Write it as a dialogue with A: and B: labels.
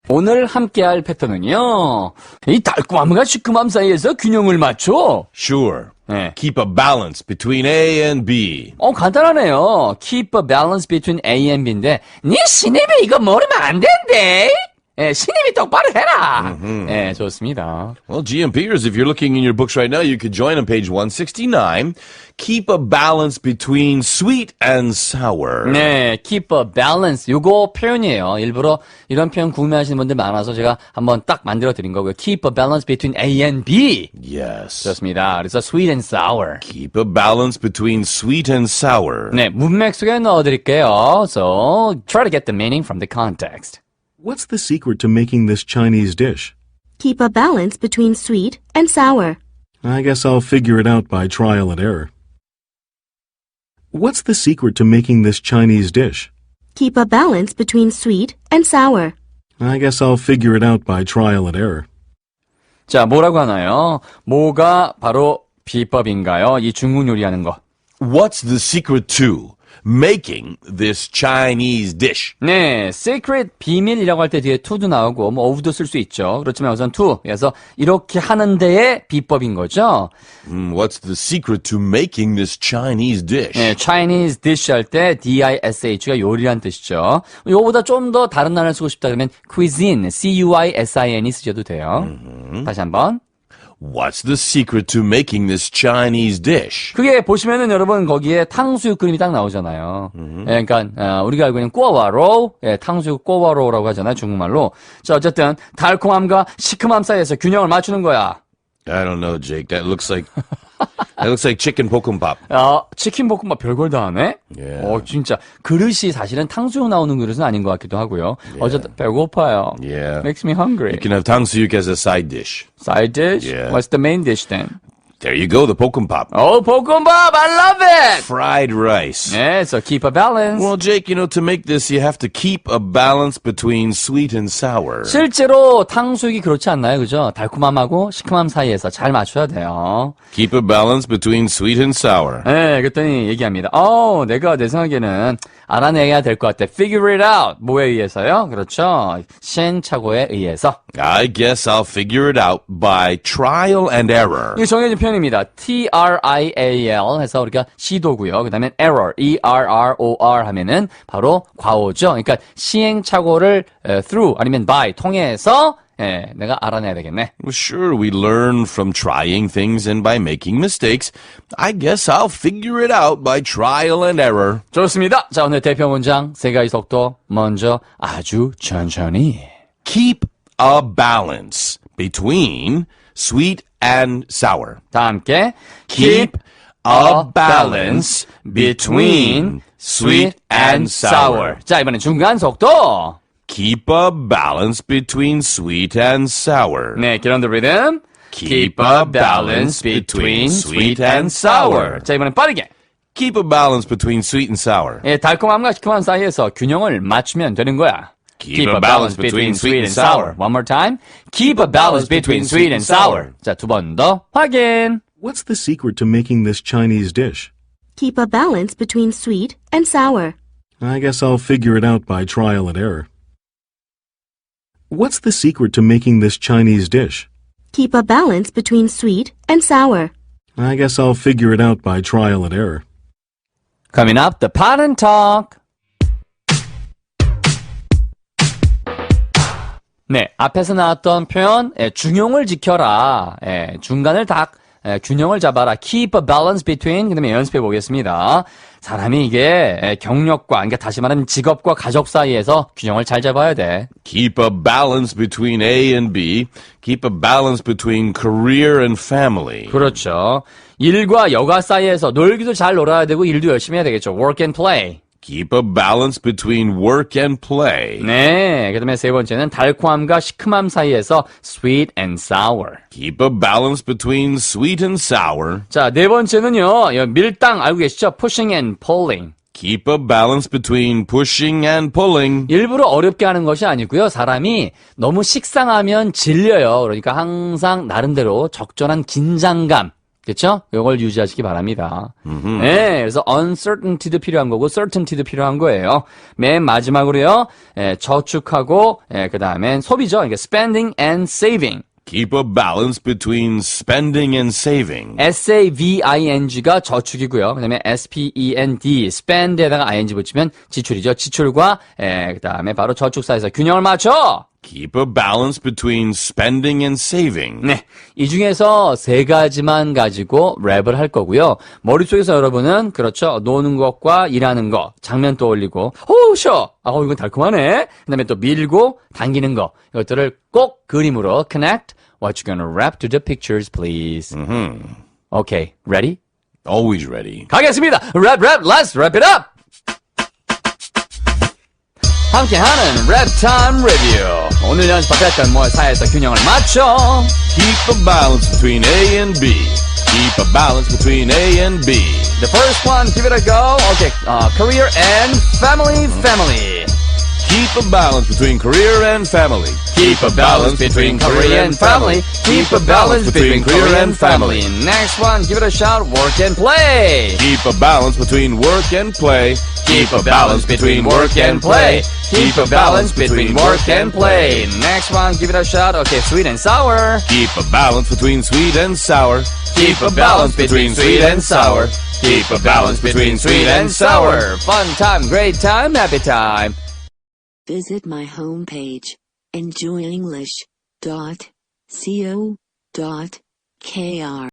A: 오늘 함께할 패턴은요. 이 달콤함과 시큼함 사이에서 균형을 맞춰.
B: Sure.
A: 네.
B: Keep a balance between A and B.
A: 간단하네요. Keep a balance between A and B인데 네 신입이 이거 모르면 안 된대. 신입이 똑바로 해라. 좋습니다.
B: Well, GMPers, if you're looking in your books right now, you could join on page 169. Keep a balance between sweet and sour.
A: 네, keep a balance. 요거 표현이에요. 일부러 이런 표현 궁금해하시는 분들 많아서 제가 한번 딱 만들어 드린 거고요. Keep a balance between A and B.
B: Yes.
A: 좋습니다. 그래서 sweet and sour.
B: Keep a balance between sweet and sour.
A: 네, 문맥 속에 넣어드릴게요. So, try to get the meaning from the context.
C: What's the secret to making this Chinese dish?
D: Keep a balance between sweet and sour.
C: I guess I'll figure it out by trial and error. What's the secret to making this Chinese dish?
D: Keep a balance between sweet and sour.
C: I guess I'll figure it out by trial and error.
A: 자, 뭐라고 하나요? 뭐가 바로 비법인가요? 이 중국 요리하는 거.
B: What's the secret to making this Chinese dish?
A: 네, secret, 비밀이라고 할 때 뒤에 to도 나오고 뭐 of도 쓸 수 있죠. 그렇지만 우선 to, 그래서 이렇게 하는 데의 비법인 거죠.
B: What's the secret to making this Chinese dish?
A: 네, Chinese dish 할 때 dish가 요리란 뜻이죠. 요거보다 좀 더 다른 단어를 쓰고 싶다 그러면 cuisine, cuisine 쓰셔도 돼요. 다시 한번.
B: What's the secret to making this Chinese dish?
A: 그게 보시면은 여러분 거기에 탕수육 그림이 딱 나오잖아요. 그러니까 우리가 알고 있는 꼬와로, 탕수육 꼬와로라고 하잖아요, 중국말로. 자, 어쨌든 달콤함과 시큼함 사이에서 균형을 맞추는 거야.
B: I don't know, Jake. That looks like chicken 볶음밥.
A: 치킨 볶음밥 별걸 다 하네?
B: Yeah.
A: 진짜. 그릇이 사실은 탕수육 나오는 그릇은 아닌 것 같기도 하고요. 어쨌든 배고파요.
B: Yeah.
A: Makes me hungry.
B: You can have 탕수육 as a side dish.
A: Side dish?
B: Yeah.
A: What's the main dish then?
B: There you go, the 볶음밥.
A: 볶음밥! I love it!
B: Fried rice.
A: 네, so keep a balance.
B: Well, Jake, to make this, you have to keep a balance between sweet and sour.
A: 실제로 탕수육이 그렇지 않나요? 그죠? 달콤함하고 시큼함 사이에서 잘 맞춰야 돼요.
B: Keep a balance between sweet and sour.
A: 네, 그랬더니 얘기합니다. 내가 내 생각에는 알아내야 될 것 같아. Figure it out. 뭐에 의해서요? 그렇죠. 시행착오에 의해서.
B: I guess I'll figure it out by trial and error.
A: 이게 정해진 표현입니다. trial 해서 우리가 시도고요. 그 다음에 error, error 하면은 바로 과오죠. 그러니까 시행착오를 through 아니면 by 통해서 내가 알아내야 되겠네.
B: Well, sure, we learn from trying things and by making mistakes. I guess I'll figure it out by trial and error.
A: 좋습니다. 자, 오늘 대표 문장 세 가지 속도 먼저 아주 천천히.
B: Keep a balance between sweet and sour.
A: 다 함께
B: Keep a balance between sweet and sour.
A: 자, 이번엔 중간 속도.
B: Keep a balance between sweet and sour.
A: 네, get on the rhythm.
B: Keep a balance between sweet and sour.
A: 자, 이번엔 빠르게.
B: Keep a balance between sweet and sour.
A: 달콤함과 시큼함 사이에서 균형을 맞추면 되는 거야.
B: Keep a balance between sweet and sour.
A: One more time. Keep a balance between sweet and sour. 자, 두 번 더 확인.
C: What's the secret to making this Chinese dish?
D: Keep a balance between sweet and sour.
C: I guess I'll figure it out by trial and error. What's the secret to making this Chinese dish?
D: Keep a balance between sweet and sour.
C: I guess I'll figure it out by trial and error.
A: Coming up, the pattern talk. 네, 앞에서 나왔던 표현, 중용을 지켜라. 중간을 딱 균형을 잡아라. Keep a balance between. 그다음에 연습해 보겠습니다. 사람이 이게 경력과, 그러니까 다시 말하면 직업과 가족 사이에서 균형을 잘 잡아야 돼.
B: Keep a balance between A and B. Keep a balance between career and family.
A: 그렇죠. 일과 여가 사이에서 놀기도 잘 놀아야 되고 일도 열심히 해야 되겠죠. Work and play.
B: Keep a balance between work and play.
A: 네, 그 다음에 세 번째는 달콤함과 시큼함 사이에서 sweet and sour.
B: Keep a balance between sweet and sour.
A: 자, 네 번째는요, 밀당 알고 계시죠? Pushing and pulling.
B: Keep a balance between pushing and pulling.
A: 일부러 어렵게 하는 것이 아니고요. 사람이 너무 식상하면 질려요. 그러니까 항상 나름대로 적절한 긴장감, 그렇죠? 이걸 유지하시기 바랍니다. 네, 그래서 uncertainty도 필요한 거고 certainty도 필요한 거예요. 맨 마지막으로요. 저축하고 그 다음엔 소비죠. 그러니까 spending and saving.
B: Keep a balance between spending and saving.
A: saving가 저축이고요. 그 다음에 spend, spend에다가 ing 붙이면 지출이죠. 지출과 그 다음에 바로 저축 사이에서 균형을 맞춰.
B: Keep a balance between spending and saving.
A: 네, 이 중에서 세 가지만 가지고 랩을 할 거고요. 머릿속에서 여러분은 그렇죠. 노는 것과 일하는 거, 장면 떠올리고 쉬어. 이건 달콤하네. 그 다음에 또 밀고 당기는 거, 이것들을 꼭 그림으로 connect. What you gonna rap to the pictures, please. Okay, ready?
B: Always ready.
A: 가겠습니다. Rap, let's wrap it up. 함께하는 랩 타임 리뷰. 오늘 연습했던 뭐 사이에서 균형을 맞춰.
B: Keep a balance between A and B. Keep a balance between A and B.
A: The first one, give it a go. Okay, career and family.
B: Keep a balance between career and family.
A: Keep a balance between career and family. Keep a balance between career and family. Next one, give it a shot. Work and play.
B: Keep a balance between work and play.
A: Keep a balance between work and play. Keep a balance between work and play. Next one, give it a shot. Okay, sweet and sour.
B: Keep a balance between sweet and sour.
A: Keep a balance between sweet and sour. Keep a balance between sweet and sour. Fun time, great time, happy time.
E: Visit my homepage, enjoyenglish.co.kr.